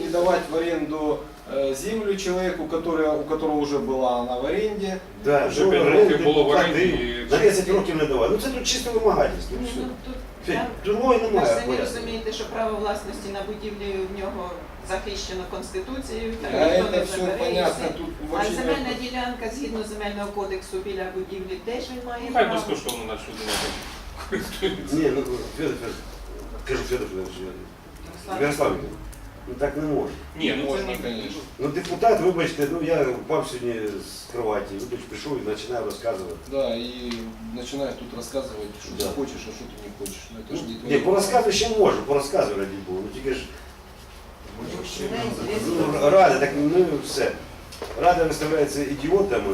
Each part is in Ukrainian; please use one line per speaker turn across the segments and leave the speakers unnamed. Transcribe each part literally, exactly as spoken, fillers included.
не давать в аренду э, землю человеку, который, у которого уже была она в аренде.
Да,
Вже п'ять років було в оренді.
на десять років не давали. Ну це тут чисте вимагательство.
Ні,
Все.
ну, тут,
Федь,
там,
другої
ви ж
немає.
самі
пояснення.
розумієте, що право власності на будівлю в нього захищено Конституцією, там
А
ніхто
это
не
все
забере. і
понятно,
все.
тут
А
вообще
земельна
нет-
ділянка згідно земельного кодексу біля будівлі теж він має
Хай
право.
безкоштовно нашу землю користуються.
Ні, ну Федор, Федор, кажу Федор Федорович, Ярослав Вікторович, ну так не можна.
Ні, ну це
Можна,
не
конечно.
Ну депутат, вибачте, ну я впав сьогодні з кроваті, вибач, прийшов і починаю розказувати.
Да, и начинаешь тут рассказывать, что
Да.
ты хочешь, а что ты не хочешь. Ну, это же не
Ні,
твоє.
по розказу ще можу, по розказу раді було, ну тільки ж ну, рада, так ну все. Рада виставляється ідіотами.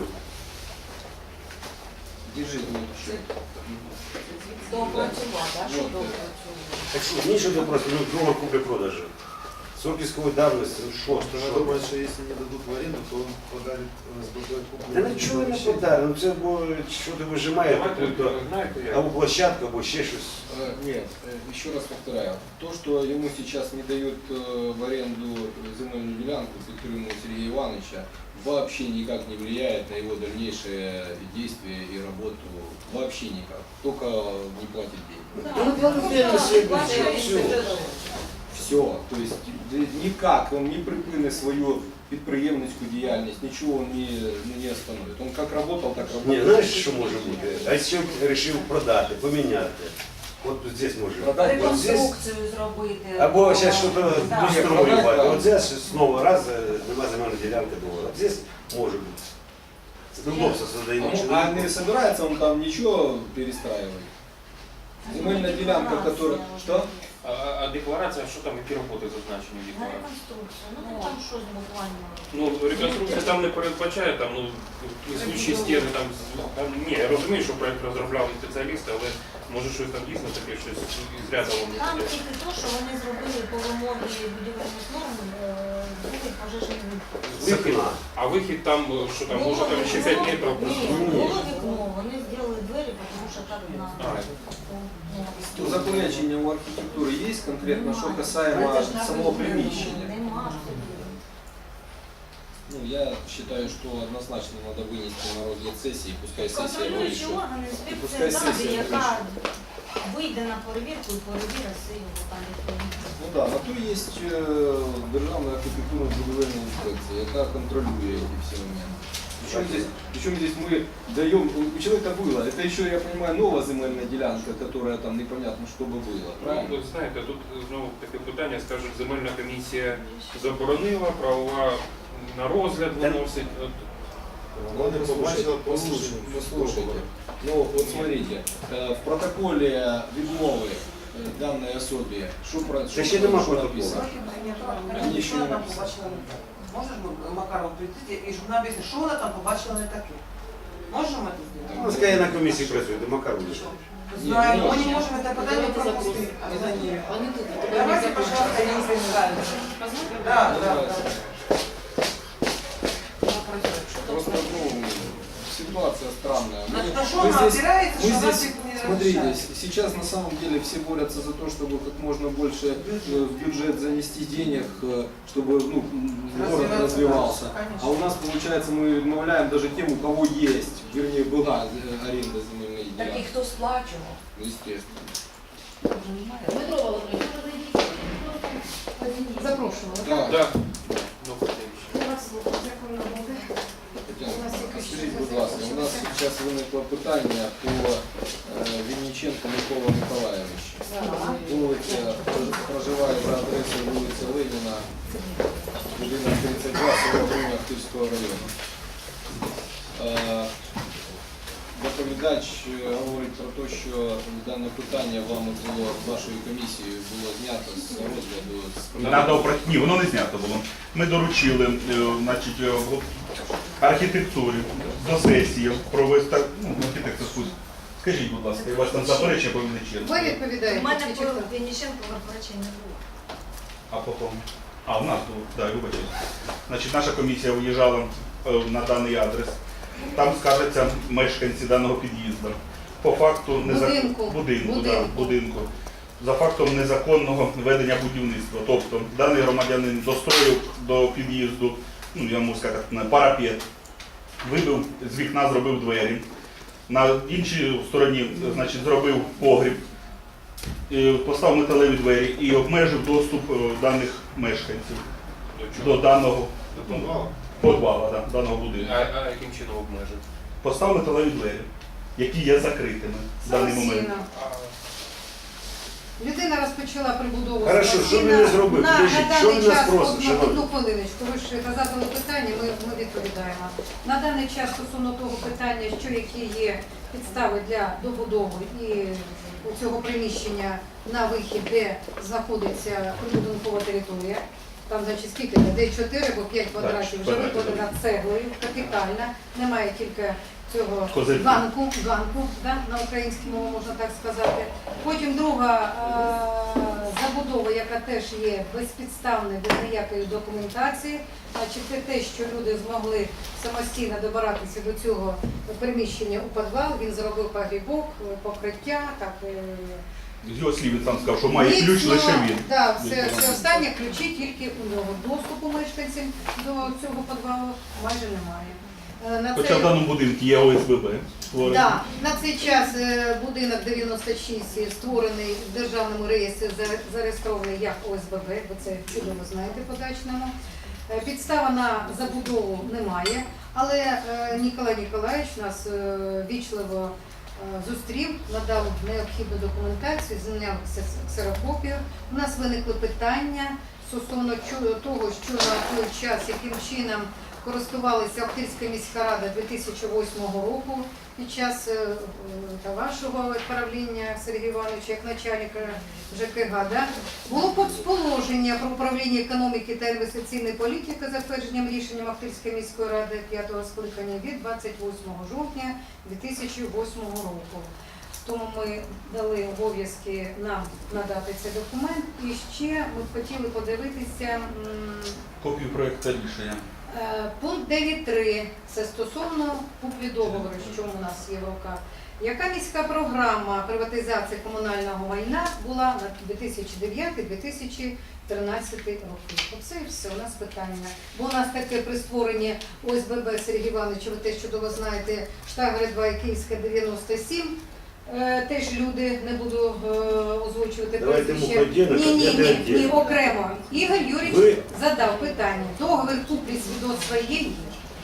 Держи, ну, еще.
Доопрацювати, а що
Вот,
доопрацювати?
Так що, нічого до просто, ну договор куплі-продажу. Срок військової давності, ну що,
Что
що?
вы думаете, что если не дадут в аренду, то он подарит СББ куплю?
Та нічого не подарить, ну це або що ти вижимає,
Давайте, знаєте, я...
або площадку, або ще щось.
Э, Нет, э, еще раз повторяю. То, что ему сейчас не дают э, в аренду земельную делянку, Петрину Сергея Ивановича, вообще никак не влияет на его дальнейшие действия и работу. Вообще никак. Только не платит деньги.
Та ну платить все, все.
Все. То есть д- никак он не припине свою підприємницьку діяльність, ничего он не, не остановит. Он как работал, так
Ні,
работает.
знаєш, що може бути? А якщо вирішив продати, поміняти, от тут здесь може.
Продати
От здесь,
Реконструкцію зробити.
або зараз щось
Да.
достроювати.
продати,
От здесь знову раз е, нема земельної ділянки договору. От здесь може бути. Це удобство создає
А,
нічого.
а не собирается он там ничего перестраивать? Земельная делянка, которая... Что?
А, а декларація, що там, які роботи зазначені в
На
декларації?
реконструкцію. Ну там там щось буквально.
Ну, реконструкція там не передбачає, там, ну, несучі стіни, там, там, ні, я розумію, що проєкт розробляли спеціалісти, але може щось там дійсно таке, щось із ряду вам не
Там
піде.
тільки те, що вони зробили по вимогі будівельних норм е, другий пожежний вихід.
З вікна.
А вихід там, що там, може там ще п'ять метрів?
Ні, було вікно, вони зробили двері, тому що так на...
То заперечення у архітектури є конкретно, що касаемо самого приміщення?
Нема.
Ну, я считаю, что однозначно надо вынести на розгляд сессии, пускай сессия
Контролюючі
вирішить.
органи,
Пускай
інспекція
сесія
ради, яка
вирішить.
вийде на перевірку і перевірить все його там відповідно.
Ну да, на то есть е, Державна архітектурно-будівельна інспекція, яка контролює ці всі моменти. Причем здесь, причем здесь мы даем, у человека было, это еще, я понимаю, новая земельная делянка, которая там непонятно, что бы было,
Ну,
правильно?
ви знаєте, тут знову таке питання, скажуть, земельна комісія заборонила, правова на розгляд виносить. От,
Он не побачил,
Послушайте, послушайте. Ну, вот смотрите, э, в протоколе відмови э, данной особе, что про
Та ще нема
що
протоколу.
написано?
Ні,
Ні,
що
ще
вона
не
там
написано.
побачила не таке? Можеш Макаров прийти і щоб вона об'яснила, що вона там побачила не таке? Можемо це зробити?
Ну, скажи, на комісії працює, до Макару буде.
Знаємо, ми не можемо це питання пропустити. Давайте, пожалуйста, я не представлюсь. Да, да, да.
Просто, ну, ситуация странная.
На,
Мы-
на что
мы
она
здесь-
опирается,
мы
что она
здесь,
всех не
смотрите,
разрешает?
с- сейчас на самом деле все борются за то, чтобы как можно больше э, в бюджет занести денег, э, чтобы ну, м, город
Развиваться,
развивался.
конечно.
А у нас получается мы отмовляем даже тем, у кого есть, вернее была э, аренда земельной
Так і
делянки.
хто сплачував?
Ну, естественно.
Дмитро Володимирович, запрошували.
Да,
да. Ну, хотя
Тетяна, скажіть, будь ласка, у нас зараз виникло питання по е, Вінниченку Микола Миколаєвичу. Вулиця прож- проживає за адресою вулиця Леніна, будинок тридцять два, село Груня Ахтирського району. Е, Доповідач е, говорить про те, що дане питання вами було вашою комісією було знято з розгляду з
Надо опра- Ні, воно не знято було. Ми доручили е, значить, е, в архітектурі до сесії провести, ну, архітекторську. Скажіть, будь ласка, у вас там заперечення по
Ви
Вінниченку?
відповідаєте.
У мене
чи хто?
по Вінниченку заперечень не було.
А потім? А, у нас було, так, да, вибачте. Значить, наша комісія виїжджала е, на даний адрес. Там скажеться мешканці даного під'їзду. По факту не
Будинку.
будинку,
Будинку.
Да, будинку. за фактом незаконного ведення будівництва. Тобто даний громадянин достроїв до під'їзду, ну я можу сказати, на парапет, вибив з вікна, зробив двері. На іншій стороні, значить, зробив погріб, е, поставив металеві двері і обмежив доступ е, даних мешканців
До
до
чого?
даного
Мало.
подвала, да, даного будинку.
А, а яким чином обмежити?
Поставив металеві двері, які є закритими в даний момент.
Самостійно.
А,
Людина розпочала прибудову.
Хорошо,
самостійно.
що він не зробив?
На,
Підождіть,
на
що
даний
він нас
час,
просить,
одну,
шановні?
одну хвилиночку, ви ж задали питання, ми, ми відповідаємо. На даний час стосовно того питання, що які є підстави для добудови і у цього приміщення на вихід, де знаходиться прибудинкова територія. Там, значить, скільки? Де чотири або п'ять квадратів, вже
квадратів.
викладена цеглою, капітальна, немає тільки цього
Козирки.
ганку, ганку, да, на українській мові можна так сказати. Потім друга е, забудова, яка теж є безпідставною, без ніякої документації, значить це те, що люди змогли самостійно добиратися до цього приміщення у підвал, він зробив погрібок, покриття, так, е,
З його слів він сам сказав, що має ключ
Міцно,
лише він.
Да, все, все останнє ключі тільки у нього. Доступу мешканців до цього підвалу майже немає. Е, На
Хоча
цей-
в даному будинку є О С Б Б.
Да, на цей час е, будинок дев'яносто шість створений в державному реєстрі, за- зареєстрований як О С Б Б, ви це чудово знаєте по-дачному. Е, Підстава на забудову немає, але е, Ніколай Ніколаївич нас е, вічливо е, зустрів, надав необхідну документацію, зняв ксе- ксерокопію. У нас виникли питання стосовно чу- того, що на той час, яким чином користувалася Охтирська міська рада дві тисячі восьмого року під час е, е, та вашого правління Сергія Івановича як начальника Ж К Г. Да? Було положення про управління економіки та інвестиційної політики за затвердженням рішенням Охтирської міської ради п'ятого скликання від двадцять восьмого жовтня дві тисячі восьмого року. Тому ми дали обов'язки нам надати цей документ. І ще ми б хотіли подивитися м,
Копію проєкту рішення.
Е, Пункт дев'ять три – це стосовно куплі договору, що у нас є в руках. Яка міська програма приватизації комунального майна була на дві тисячі дев'ятий - дві тисячі тринадцятий роки? Оце і все, у нас питання. Бо у нас таке при створенні О С Б Б Сергій Іванович, ви теж чудово знаєте, Штагри два і Київська дев'яносто сім. Е, Теж люди, не буду е, озвучувати
Давайте
прізвище.
ми поділимо,
Ні, ні,
конкретно
ні,
відділимо.
ні, окремо. Ігор Юрійович
Ви-
задав питання. Договір куплі свідоцтва є. є.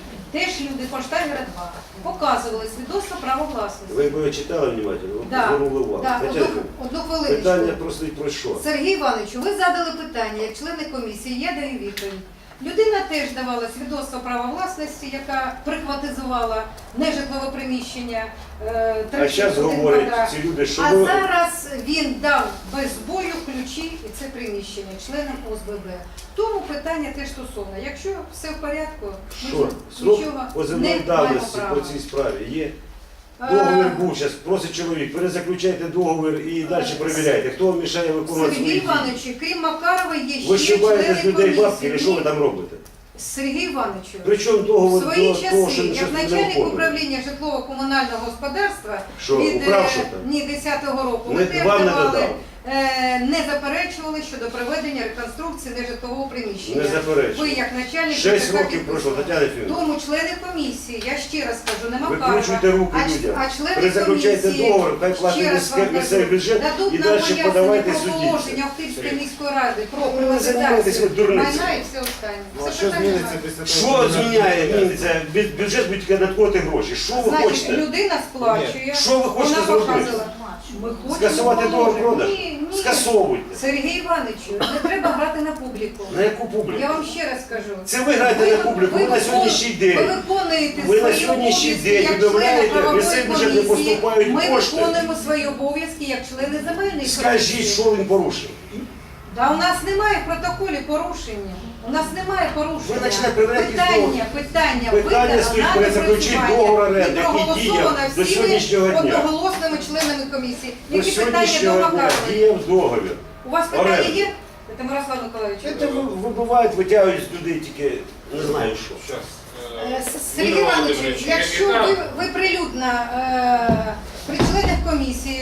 Теж люди по Штагера два показували свідоцтво права власності.
Ви б читали внимательно?
Да,
Звернули увагу.
да,
Хоча
одну, одну хвилиночку.
питання просто і про що?
Сергій Івановичу, ви задали питання, як члени комісії, я даю відповідь. Людина теж давала свідоцтво права власності, яка прихватизувала нежитлове приміщення. е,
А
тридцять
зараз
один
говорять
квадрат.
ці люди, що
А
ви...
зараз він дав без бою ключі і це приміщення членам О С Б Б. Тому питання теж стосовно. Якщо все в порядку, ми
Що?
ж
Срок
нічого не
позивної
маємо
давності
права.
по цій справі є?
А,
Договір був, зараз просить чоловік, перезаключайте договір і далі перевіряйте. Хто вам мішає виконувати
Сергій
свої дії?
Іванович, крім Макарова, є
Ви
ще
щибаєте з
члени
людей бабки,
комісії.
і що ви
Ні.
там робите?
Сергій Івановичу,
Причому
в
договір
свої
до того, що
часи,
щось
як
не
начальник
оформлено?
управління житлово-комунального господарства
Що,
від
украв
е,
що там?
ні, десятого року,
Не-
ми теж
вам не
давали,
додав.
е, не заперечували щодо проведення реконструкції нежитлового приміщення.
Не заперечую.
Ви як начальник
Шесть
ЖКХ
років пройшло,
підписали.
Тетяна Ефімовна.
Тому члени комісії, я ще раз кажу, не
Ви
Макарова,
кручуйте руки
а, ч-
людям.
а члени
Перезаключайте
комісії,
договор, хай платить
ще раз
міське-
вам
місцевий
кажу,
бюджет
дадуть
і
нам
далі
пояснення
подавайте
про
судді.
положення Охтирської міської ради про
Ну, ви займаєтесь ви
приватизацію
дурницею.
майна і все останнє.
Ну, а
Це
що
питання
зміниться
немає.
після того?
Що
коли
зміняє?
вона-
Зміниться? Бю- Бюджет буде тільки надходити гроші. Що ви
Значить,
хочете?
людина сплачує,
Що ви хочете
вона
зробити?
показала. Ми хочемо
Скасувати договір
положення.
продаж?
Ні, ні.
Скасовуйте.
Сергій Івановичу, не треба грати на публіку.
На яку публіку?
Я вам ще раз кажу.
Це ви граєте на публіку, ви на
викон-
сьогоднішній
Ви
день.
виконуєте
Ви на
свої
сьогоднішній
обов'язки
день
як члени
відмовляєте,
правової
місцеві бюджет не
комісії.
поступають
Ми
кошти.
виконуємо свої обов'язки як члени земельної
Скажіть,
комісії.
що він порушив?
Да, у нас немає в протоколі порушення. У нас немає порушення.
Ви починаєте перевіряти
питання, питання,
Питання
видано
стоїть
на
перезаключити
доопрацювання.
договор оренди,
І
який
проголосовано
діяв до
всіми
сьогоднішнього дня.
одноголосними членами комісії.
До
Які питання до
сьогоднішнього дня
Макарової?
діяв договір.
У вас питання
оренди.
є? Це Мирослав Миколаївич.
Це ви- вибивають, витягують з людей тільки не знаю що.
Щас.
Е,
Е,
С- Сергій
Юрій
Іванович,
Володимирович,
якщо
яка-
ви, ви прилюдно е, при членах комісії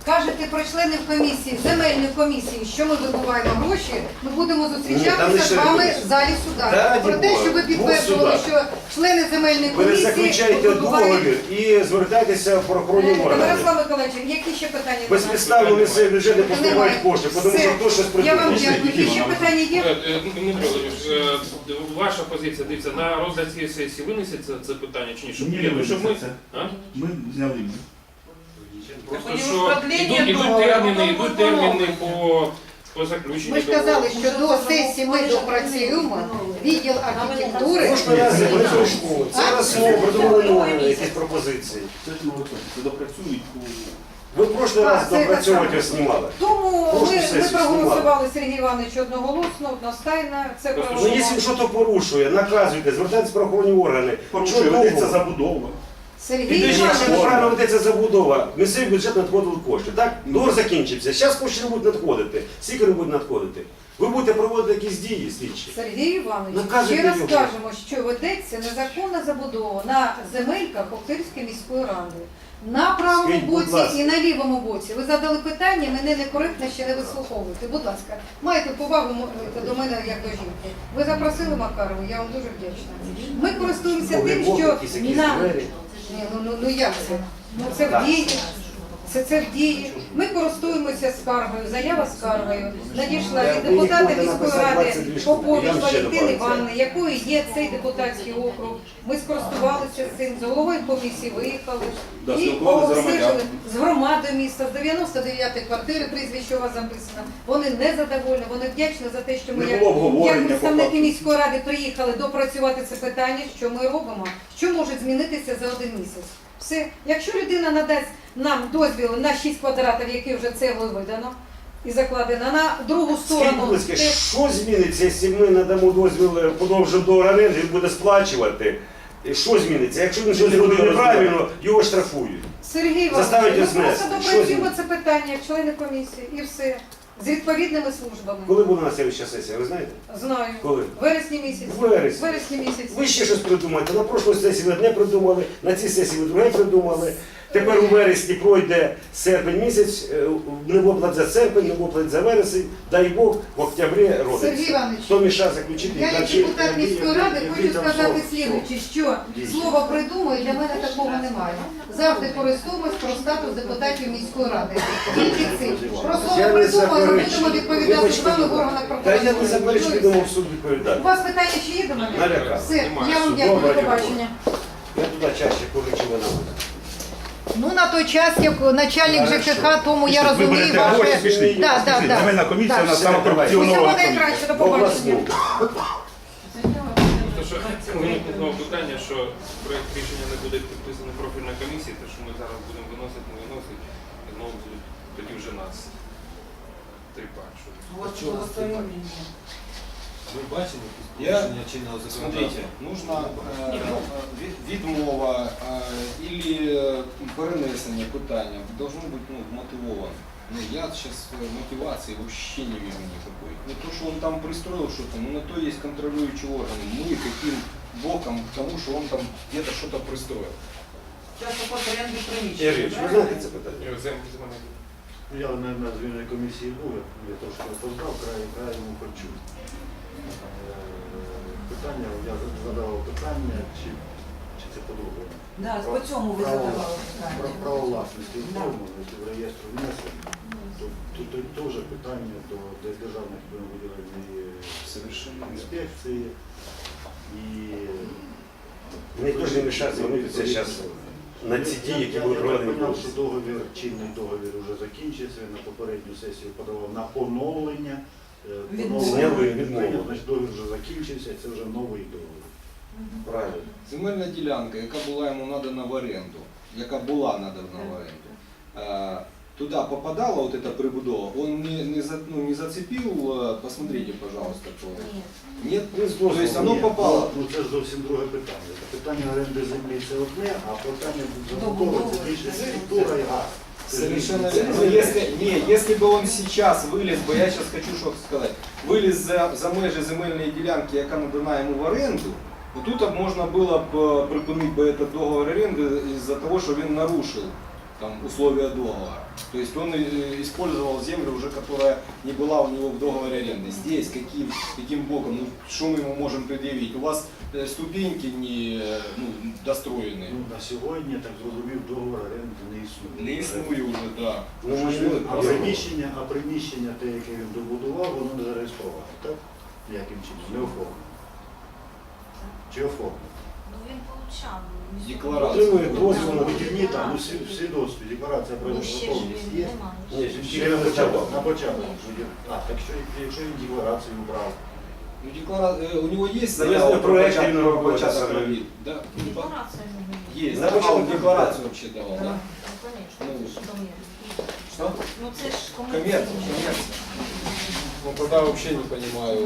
кажете про членів комісії, земельної комісії, що ми вибуваємо гроші, ми будемо
Ні, там
зустрічатися
лише
з вами
комісія.
в залі суда.
Та, раді
Про те,
Бога,
що ви
Бог
підтверджували,
суда.
що члени земельної
Ви
комісії
заключаєте
вибувають.
договір і звертайтеся в правоохоронні органи.
Мирослав Миколаївич, які ще питання? до нас?
Безпідставно місцеві бюджети поступають кошти, тому
Все.
що хтось щось
Я вам
придумав.
дякую. Які ще питання
Е,
є?
е, Дмитро Володимирович, е, ваша позиція, дивіться, на розгляд цієї сесії винесеться це питання чи ні? Щоб,
Ні,
ні,
не
щоб ми,
винесеться.
а?
Ми зняли.
Просто
Так,
що
продлення
йдуть, йдуть
договору,
терміни,
потім
йдуть
буде
терміни
новий.
по, по заключенню
Ми ж казали,
договору.
що до сесії ми допрацюємо відділ архітектури.
Кожного разу ви прийшли. Це раз слово придумали нові якісь пропозиції.
Це ж ми це допрацюють.
Ви в прошлий
А,
раз
це
допрацьовувати
так.
знімали.
Тому
Прошу
ми, ми
сесію
проголосували Сергій Іванович одноголосно, одностайно. Це
Просто,
Ну,
проголосували.
якщо щось порушує, наказуйте, звертайтеся в правоохоронні органи.
Порушує,
Що
ведеться
довго?
забудова.
Сергій
Підождіть,
Іванович.
якщо неправильно ведеться забудова, місцевий бюджет надходили кошти, так? Договор закінчився. Зараз кошти не будуть надходити. Скільки не будуть надходити? Ви будете проводити якісь дії слідчі.
Сергій Іванович,
Наказуйте
ще раз
його.
кажемо, що ведеться незаконна забудова на земельках Охтирської міської ради. На правому
Скажіть, будь
боці
ласка.
і на лівому боці. Ви задали питання, мене некоректно ще не вислуховуєте. Будь ласка, маєте повагу м- до мене як до жінки. Ви запросили Макарову, я вам дуже вдячна. Ми користуємося тим,
Ой,
що
якісь якісь
на...
двері.
Ні, ну, ну, ну як це? Ну це в дії. Це, це в дії. Ми користуємося скаргою, заява скаргою. Надійшла
Я
від
ви
депутата
можете
міської
написати
ради
двадцять дві штуки.
Попович
Я вам ще
Валентини
добавлю.
Івановни, якою є цей депутатський округ. Ми скористувалися цим, з головою комісії виїхали
Да,
і
спілкувалися з
обстежили
громадянами.
з громадою міста, з дев'яносто дев'ятої квартири, прізвище у вас записано. Вони не задоволені, вони вдячні за те, що ми
Не
як,
було обговорення
як
по
представники
факту.
міської ради приїхали допрацювати це питання, що ми робимо, що може змінитися за один місяць. Все. Якщо людина надасть нам дозвіл на шість квадратів, які вже цеглою видано і закладено, на другу
Скажіть, будь
сторону.
ласка,
те-
що зміниться, якщо ми надамо дозвіл е, подовжити до оренди, він буде сплачувати? І що зміниться? Якщо він щось
Він
зробив
буде
неправильно, його штрафують.
Сергій
Заставить
Іванович, ми
знести.
просто
Що
допрацюємо
зміниться?
це питання як члени комісії і все. З відповідними службами.
Коли буде наступна сесія, ви знаєте?
Знаю.
Коли?
В вересні місяці.
В вересні.
В вересні місяці.
Ви ще щось придумаєте. На прошлій сесії ви одне придумали, на цій сесії ви друге придумали. Тепер у вересні пройде серпень місяць, е, не виплат за серпень, не виплат за вересень, дай Бог, в октябрі
Сергій
родиться.
Іванович,
Хто мішає заключити?
я як
дальше-
депутат міської ради
який
хочу
там
сказати
срок?
слідуюче, що слово придумаю для мене такого немає. Завжди користуємось про статус депутатів міської ради. Тільки цим. Про слово
Я не
придумаю, ми
заперечую.
будемо відповідати з
Вибачте,
вами в
будь ласка.
органах
Та я не
прокуратури.
заперечую,
Ну, і
підемо в
все.
суд відповідати.
У вас питання ще є до мене?
Налякав.
Все, я вам дякую,
Добре,
до побачення.
Я туди чаще полечу вона.
Ну, на той час, як начальник ЖКХ, тому я
Ви
розумію
берете гроші,
ваше...
пішли.
Да, да,
Пішли.
да.
Земельна комісія
Да,
у нас
все,
саме
давай.
корупціонова
Усього
комісія.
найкраще, до
В
побачення.
обласну.
Тому що виникло знову питання, що проєкт рішення не буде підписаний профільною комісією, те, що ми зараз будемо виносити, не виносити, і знову будуть тоді вже нас тріпати. що
Вот что свое мнение.
Ви бачили
Я-
порушення чинного законодавства? Смотрите, нужно е, від- відмова е, или перенесення питання должно бути ну, мотивовано. Ну, я сейчас мотивации вообще не вижу никакой. Не то, что он там пристроил что-то, но на то есть контролирующие органы. Мы каким боком к тому, что он там где-то что-то пристроил.
Сейчас вопрос аренды приміщення.
Ігоріч, ви знаєте це питання?
Ні, землі з мене.
Я на, на звільній комісії був, я, я трошки опоздав, край, край йому хочу. Е, Питання, я задавав питання, чи, чи це по-другому.
Да, по цьому ви
Право-
задавали
Про
питання.
право власності
Да.
оформленості в реєстру внесення. Тут, тут, тут теж питання до де- державних виділення
Совершенно верно.
інспекції і
Мені теж не мішає звернутися зараз на ці дії, які
Я-
будуть
Я
проведені.
так поняв, що договір, чинний договір вже закінчився, на попередню сесію подавав на поновлення. Е,
Відмову.
Зняли відмову.
Значить, договір вже закінчився, це вже новий договір.
Правильно.
Земельна ділянка, яка була йому надана в оренду, яка була надана в оренду, е, туди попадала вот эта прибудова, он не, не, за, ну, не зацепил, э, посмотрите, пожалуйста, то. Нет?
Ну,
То есть оно
Ні,
попало.
Ну це ж зовсім друге питання. Це питання оренди землі це одне, а питання забудови це більше структура і газ. Це
Совершенно
різні.
верно. Но если, не, если бы он сейчас вылез бы, я сейчас хочу что сказать, вылез за, за межі земельної ділянки, яка надана йому в оренду, то тут б можна було б припинити би этот договор оренди із-за того, що він нарушив там, условия договора. То есть он э, использовал землю уже, которая не была у него в договоре аренды. Здесь каким, каким боком, ну, что мы ему можем предъявить? У вас э, ступеньки не э, ну, достроены.
Ну, на сьогодні, так зрозумів, договор оренди не існує.
Не існує вже, так.
Ну, ми ж
А приміщення, а приміщення, те, яке він добудував, воно не зареєстроване, так? Яким чином? Не оформлено. Чи оформлено?
Ну він получав.
Декларацію.
Отримує дозвіл на
Вихідні там, ну, всі, всі досвід, декларація про
Ну ще ж
готовність
він
є.
немає.
Ні,
Ще на початок, на початок. А, так що, якщо він декларацію брав,
Ну, деклара... э, у него есть
Завезли
заява про
проект
початок-
именно
про
работы
початок
самой.
робіт? Да.
Декларація не
Есть.
На
Да, а он
початок,
декларацию вообще давал, да?
Ну, конечно,
Ну,
це ж комерція.
Что?
Ну це ж
Коммерция,
комерція.
коммерция. Ну, тогда вообще не понимаю.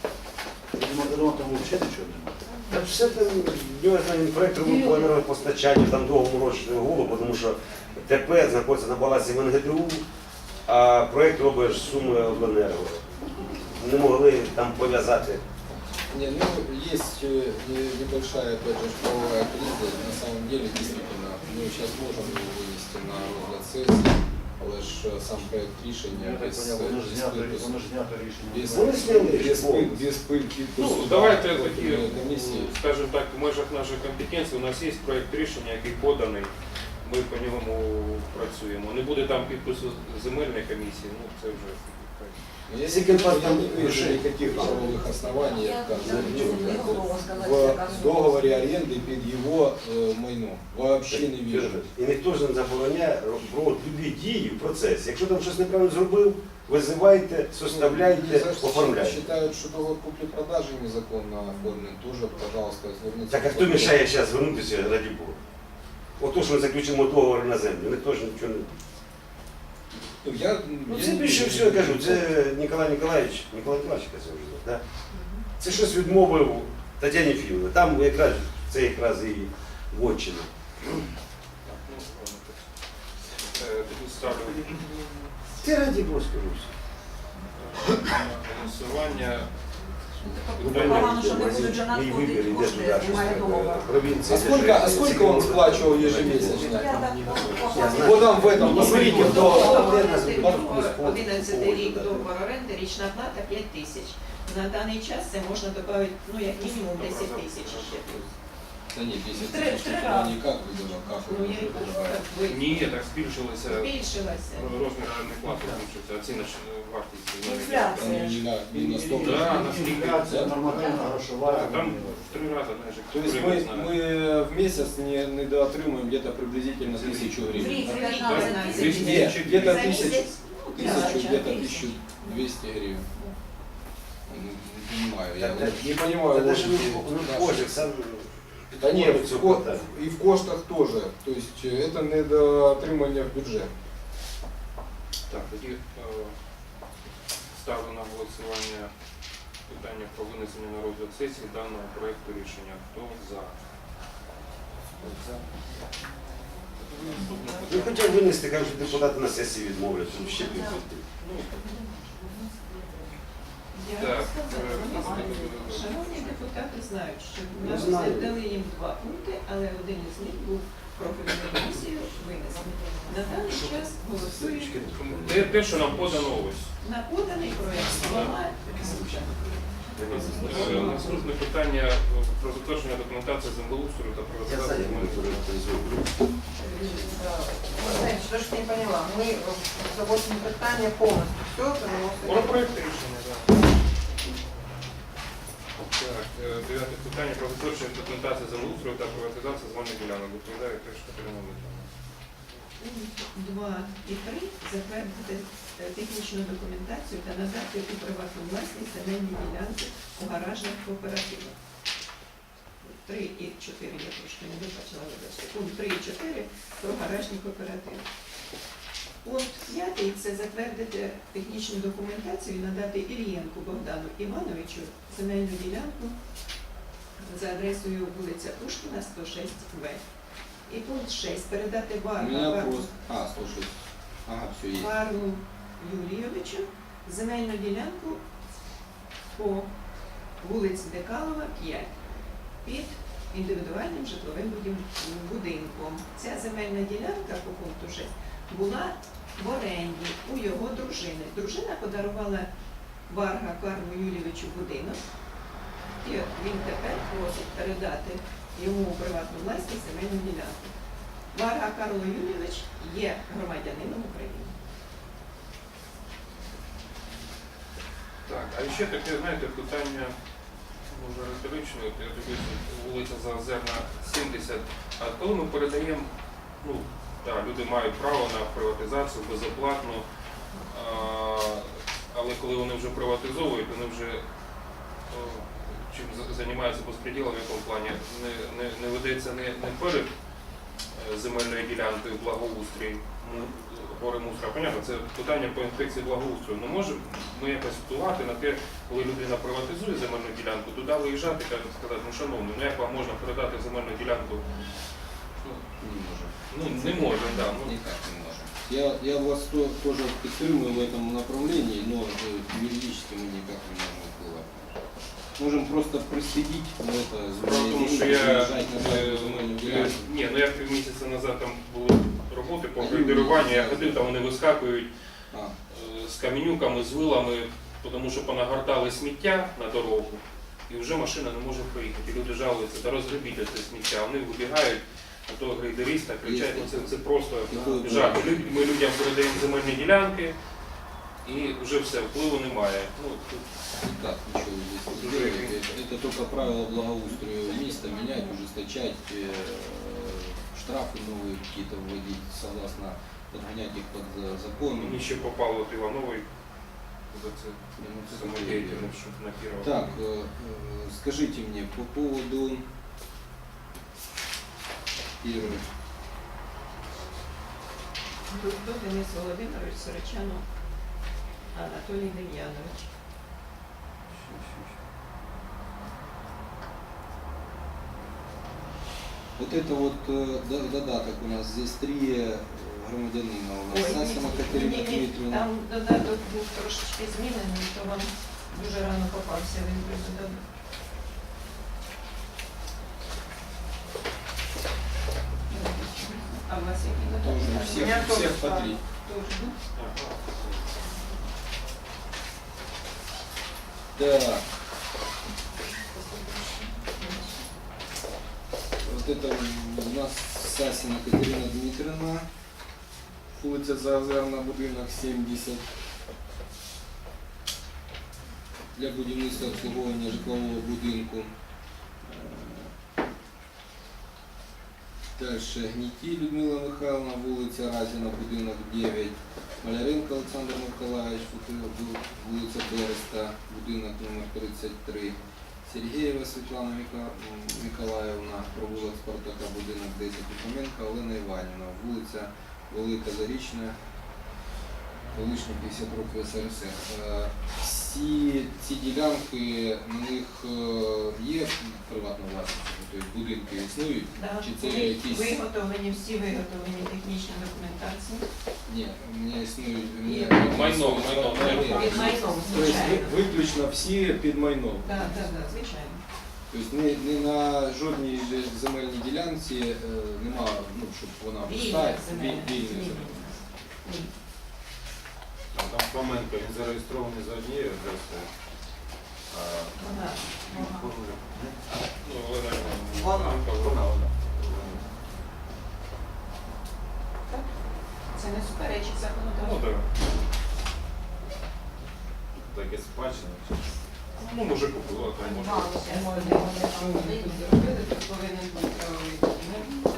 ну, там взагалі нічого немає.
Та все там, я знаю, проект робив по енергопостачанню, там довго морочити голову, тому що ТП знаходиться на балансі в ен ге де у, а проект робиш суми обленерго. Не могли там пов'язати.
Не, ну, есть э, не- небольшая, опять же, правовая криза. На самом деле, действительно, мы сейчас можем его вынести на розгляд сессии, але ж э, сам проект рішення
Я так
без,
поняв, воно ж
без
знято,
підпису.
воно ж знято рішення.
Без,
Вони зняли
без,
рішення.
пыль- без пыль підпису.
Ну, давайте
да,
такі,
профільної комісії.
скажімо так, в межах нашої компетенції у нас є проєкт рішення, який поданий, ми по ньому працюємо. Не буде там підпису земельної комісії, ну це вже так.
Но я,
Если
я
компания
не вижу
решит.
никаких правовых оснований
Я
отказывать в договоре аренды под его э, майно. Вообще не вижу.
І ніхто ж не забороняє робити любі дії в процесі. Якщо там щось неправильно зробив, визивайте, составляйте, оформляйте.
Считают, что договор купли-продажи незаконно оформлен, тоже, пожалуйста, звернитесь.
Так а хто мішає зараз звернутися, раді Бога? Ото що ми заключимо договор на землю, ніхто ж нічого не...
Ну, я,
Ну
я
це
не
більше
вижу.
всього, я кажу, це Ніколай Ніколаєвич, Ніколай Ніколаєвич це вже, да? Це щось відмовив Тетяні Філовні. Там якраз, це якраз і вотчина.
Е, Тоді ставлю
Це раді Бога скажу.
на голосування.
Погано, що не будуть же
Мій вибір
надходити
йде
кошти,
туди, щось
немає
таке,
договору.
провінція.
А сколько, а сколько он сплачивал ежемесячно?
Я так
Я знаю.
Вот там в этом, посмотрите, в договоре.
одинадцятий рік договор оренди, річна плата п'ять тисяч. На даний час це можна додати, ну, як мінімум десять тисяч ще.
Да нет, десять
Три-
тысяч,
три
ну,
раза.
никак вы даже, как
Ну,
вы
я і кажу,
называете?
так ви-
Ні, так збільшилися
збільшилася.
розмір орендної плати, збільшився, оціночна вартість.
Інфляція.
Они не на, не на сто
Да,
процентов.
на скільки?
Інфляція, нормативна грошова.
Там в три рази, знаєш,
То есть мы, мы в месяц не, не доотримуем где-то приблизительно тысячу
В
гривен.
рік
да?
п'ятнадцять
Двісті
тисяч.
Нет, где-то
За
тысячу,
місяць, ну,
тысячу,
Да,
где-то
да.
тысячу двести гривен. Не, не понимаю, я
Так,
вот не понимаю
Це ж
логики
ну,
нашей.
кожик сам
Да нет,
підходить
в
цього
ко-
питання.
и в коштах тоже. То есть э, это недоотримання в бюджет.
Так, тоді е, ставлю на голосування питання про винесення на розгляд сесії даного проекту рішення. Хто за? Хто за? Наступне
Ну,
питання.
хоча б винести, кажуть, що депутати на сесії відмовляться, ну, ще підходить.
Я
Так,
сказала,
е,
вони, шановні депутати знають, що
Ну,
ми
знаю.
дали їм два пункти, але один із них був профільною комісією винесений. На даний час голосують
Те, те, що нам подано ось.
на поданий проєкт слова.
Е, Наступне питання е, про затвердження документації землеустрою та
Я
приватизації
знаю, як ми
земельних
це
ділянок.
Знаете, что ж не поняла. Мы за восемь питания полностью все
Про
переносим.
проект рішення, так. Так, е, дев'яте питання про затвердження документації землеустрою та приватизації земельних ділянок. Доповідає теж Катерина Митівна.
Два і три затвердити е, технічну документацію та надати у приватну власність земельні ділянки у гаражних кооперативах. Три і чотири я трошки не вибачила, вибачте. Пункт три і чотири про гаражні кооперативи. Пункт п'ятий це затвердити технічну документацію і надати Ільєнку Богдану Івановичу земельну ділянку за адресою вулиця Пушкіна, сто шість В. І пункт шість передати
У
Варну
меня
Варну-
просто... А, слушай. Ага, все есть.
Варну Юрійовичу земельну ділянку по вулиці Декалова, п'ять, під індивідуальним житловим будів- будинком. Ця земельна ділянка по пункту шість була в оренді у його дружини. Дружина подарувала Варга Карлу Юлійовичу будинок, і от він тепер просить передати йому у приватну власність земельну ділянку. Варга Карло Юлійович є громадянином України.
Так, а ще таке, знаєте, питання, може риторичне, от я дивлюся, вулиця Заозерна, сімдесят, а коли ми передаємо, ну, так, люди мають право на приватизацію безоплатно, а, але коли вони вже приватизовують, вони вже о, чим за- займаються безпреділом, в якому плані, не, не, не ведеться не, не перед е, земельною ділянкою благоустрій, ну, гори мусора. Понятно, це питання по інспекції благоустрою. Ну можемо ми якось впливати на те, коли людина приватизує земельну ділянку, туди виїжджати і сказати, ну шановні, ну як вам можна передати земельну ділянку?
Ну, не можем.
Ну не можемо, так. Ну,
Никак не можем. Я, я вас то- тоже поддерживаю в этом направлении, но э, юридически мы никак не можем впливать. Можем просто проследить, но это
Справа в тому, що я, е, е, ні, ну я півмісяця назад там були роботи по градируванню, я ходив, там вони вискакують
А,
е, з каменюками, з вилами, тому що понагортали сміття на дорогу, і вже машина не може проїхати. І люди жалуються, та розгребіть це сміття, вони вибігають, а того грейдериста кричать, ну це, це просто
Такое
жах.
бывает.
Лю- Ми людям передаємо земельні ділянки, і вже все, впливу немає. Ну, тут
никак ничего здесь не сделаете. Это только правила благоустрою места менять, ужесточать, э, штрафы новые какие-то вводить, согласно подгонять их под э, закон.
мені ще попало от Івановий за це
Ну, это
самодеятельность, щоб на Кірова.
Так, э, э, скажите мне по поводу первой.
Дудко Денис Володимирович, Сорочанов Анатолій Дем'янович.
Вот это вот э, до- додаток у нас, здесь три э, громадянина у нас. Сасина Катерина
ні, ні,
Дмитрівна.
там додаток був трошечки змінений, то вам дуже рано попався він той додаток. А у вас який додаток?
Тоже у
меня
всех, у
тоже
всех по
так.
три.
Тоже, да?
Так. Вот это у нас Сасина Катерина Дмитриевна, улица Заозерна, будинок сімдесят. Для будівництва обслуговування житлового будинку. Дальше Гніті Людмила Михайловна, вулиця Разіна, будинок дев'ять. Маляренко Олександр Миколаївич, вулиця Береста, будинок номер тридцять три. Сергієва Світлана Мика- Миколаївна, провулок Спартака, будинок десять. Лукоменко Олена Іванівна, вулиця Велика Зарічна, колишня п'ятдесят років ес ер ес ер. Е, Всі ці ділянки, на них е, є приватна власність, тобто будинки існують?
Да,
Чи це
всі
якісь-
виготовлені, всі виготовлені технічні документації.
Ні, у мене існує у мене
Є.
Майно, майно, майно.
Під майном,
Тобто
звичайно.
ви- виключно всі під майном.
Так, так, так, звичайно.
Тобто не, не на жодній же земельній ділянці е, нема, ну, щоб вона
Вільна
пуста,
земельна.
вільна
Вільна.
земельна.
Ні.
А там Фоменко, він зареєстрований за однією адресою. А
Вона.
Ну, Олена
Вона.
Вона.
Так. Це не суперечить
Ну,
законодавству.
так.
таке спадщина.
Ну, може купила, там може.
Я знаю, де вони там тут зробили, тут повинен бути правовий документ.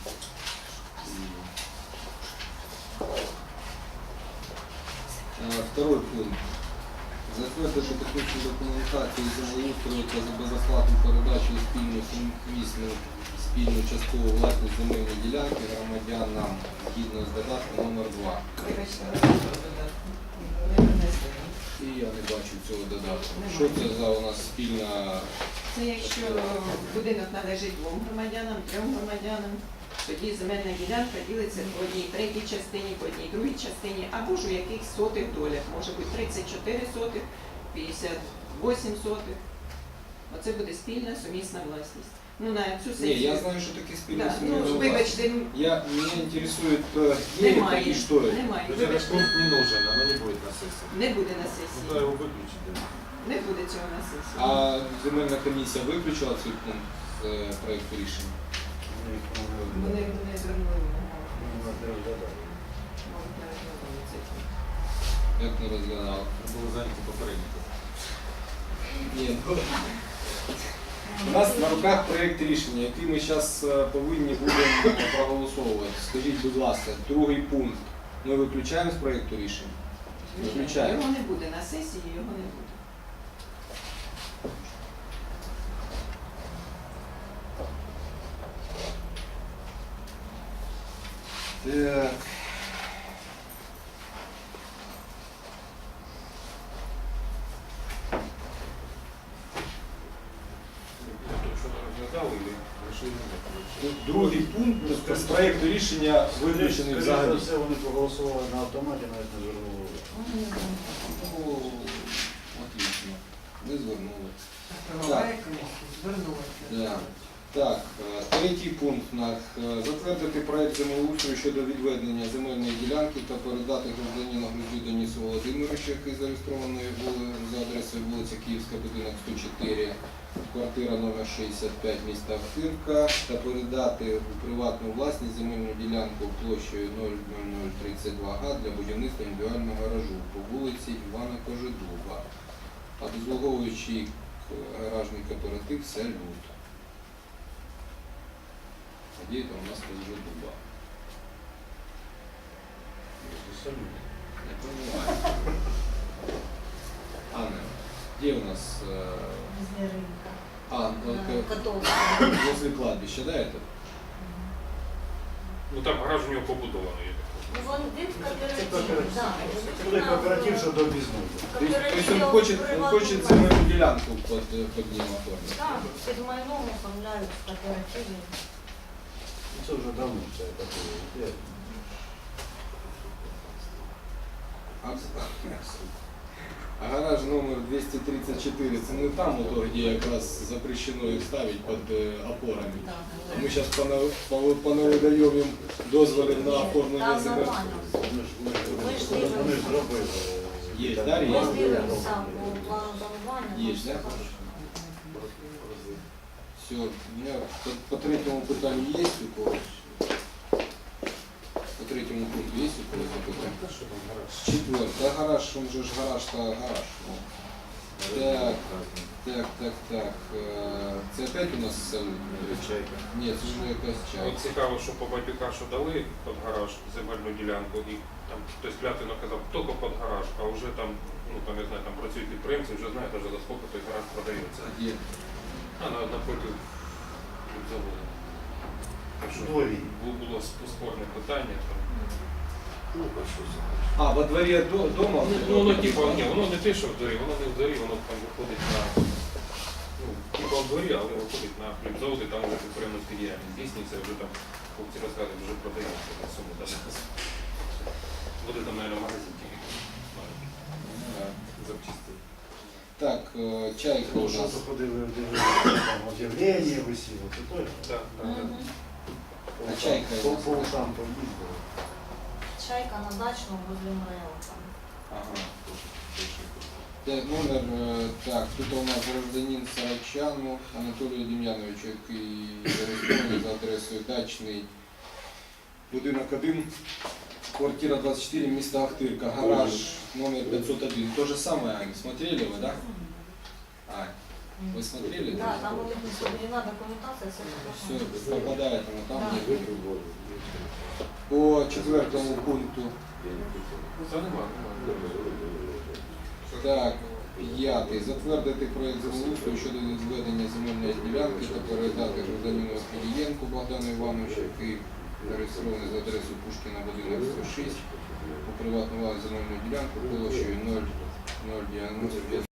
Е, Второй пункт. Затвердити технічну документацію землеустрою та за безоплатну передачу у спільну сумісну спільну часткову власність земельної ділянки громадянам згідно з додатком номер два.
Вибачте, ви не додатку. Не принесли.
І я не бачу цього додатку. Що це за у нас спільна?
Це якщо будинок належить двом громадянам, трьом громадянам, тоді земельна ділянка ділиться по одній третій частині, по одній другій частині, або ж у якихось сотих долях. Може бути тридцять чотири сотих, п'ятдесят вісім сотих. Оце буде спільна сумісна власність. Ну, на цю
Не,
сесію.
я знаю, что такие спины
Да, ну, вибачте, м,
Я, меня интересует, э, где это
немає.
и что это.
Немає.
То есть этот
Вибачте,
пункт не нужен, оно не будет на сессии.
не буде на
Ну, то
сесії.
его выключить. Да.
Не буде цього на сесії.
А земельна комісія виключила цей пункт з е, проекту рішення?
Вони не звернули увагу.
Вони не розглядали.
Мабуть, не розглядали цей пункт.
Як не розглядали?
Было занято попередньо.
Ні, ну, у нас на руках проект рішення, який ми зараз повинні будемо проголосовувати. Скажіть, будь ласка, другий пункт ми виключаємо з проекту рішення? Виключаємо.
Його не буде на сесії, його не буде.
Так.
Это что-то разглядал или решили не
Ну, Другий пункт з проекту рішення виключений взагалі.
Скоріше за все, вони проголосували на автоматі, навіть не звернули увагу.
Ну, отлично. Ви звернули.
Правовая комиссия звернулася.
Да. Так, е, третій пункт у нас. Е, Затвердити проект землеустрою щодо відведення земельної ділянки та передати громадянину Гризу Денису Володимировичу, який зареєстрований були за адресою вулиця Київська, будинок сто чотири, квартира номер шістдесят п'ять, міста Охтирка, та передати у приватну власність земельну ділянку площею нуль нуль нуль тридцять два га для будівництва індивідуального гаражу по вулиці Івана Кожедуба, обслуговуючий гаражний кооператив «Салют». А где это у нас Кожедуба? Не понимаю. Анна, где у нас? э,
Возле рынка.
А, ну,
На
к-
Котовского.
возле кладбища, да, это?
Ну там гараж у нього побудований. я так
Ну, вон він в
Це
кооперативі, да.
кооператив. Це кооператив, що до об'їзної.
То есть, то есть он
Кооператив
хочет, он
приватну
хочет
власність.
земельную делянку под, э, под ним оформить.
Так, під майном оформляють в кооперативі.
Це вже давно це таке.
А, а гараж номер двести тридцать четыре, это не там, вот, где как раз запрещено их ставить под э, опорами. А мы сейчас понавыдаем им дозволи на оформление
Там
земель.
нормально.
Вони ж
Ми ж
вони ж
дивимося.
зробили.
Є,
Там
да,
Ми
є?
план
дивимося
ділянок.
по плану планування. там
Есть,
все
да?
хорошо.
Все, у меня по, по третьему питанию есть у кого? По третьему пункту есть у кого запитання?
А що там гараж?
Четвертый. Да гараж, он же ж гараж-то гараж. Ну. Так, так, так, так. Е, Це опять у нас салют?
Чайка.
Ні, це вже якась
От
чайка.
цікаво, що по Бабюка, що дали під гараж земельну ділянку, і там хтось клятвенно казав, тільки під гараж, а вже там, ну там я знаю, там працюють підприємці, вже знають, навіть за скільки той гараж продається.
Є.
А на напроти заводу. Так що
Дворі.
бу- було сп- спорне питання. Там.
А, во дворі до- дома?
Ну, ну, воно типу, ні, воно не те, що в дворі, воно не в дворі, воно там виходить на, ну, типу в дворі, але виходить на хлібзавод, і там вже підприємницька діяльність здійснюється, вже там, хлопці розказують, вже продається на суму навіть. Буде там, мабуть, магазин тільки маленький,
Да.
запчастин.
Так, е, чайка у
Ну, що
нас.
то ходили, дивилися, там об'явлення висіло, це той.
Так, так, так.
Мгм.
А чайка
По
у нас?
по ушам поїздили.
Чайка на дачному возле Мрео там.
Ага. Так, номер, е, так, тут у нас гражданин Сарачану Анатолію Дем'яновичу, який зареєстрований за адресою Дачний, будинок один, квартира двадцять чотири, місто Охтирка, гараж номер пятьсот один. То же самое, Ань, смотрели вы, да? Ань, вы смотрели?
Да, там у них не соблюдена документація, все
Все,
прекрасно.
попадает оно там,
Да.
где По четвертому пункту.
Це нема, нема.
Так, п'ятий. Затвердити проєкт землеустрою щодо відведення земельної ділянки та передати гражданину Філієнку Богдану Івановичу, який зареєстрований за адресою Пушкіна, будинок сто шість, у приватну власність земельну ділянку площею нуль нуль дев'яносто п'ять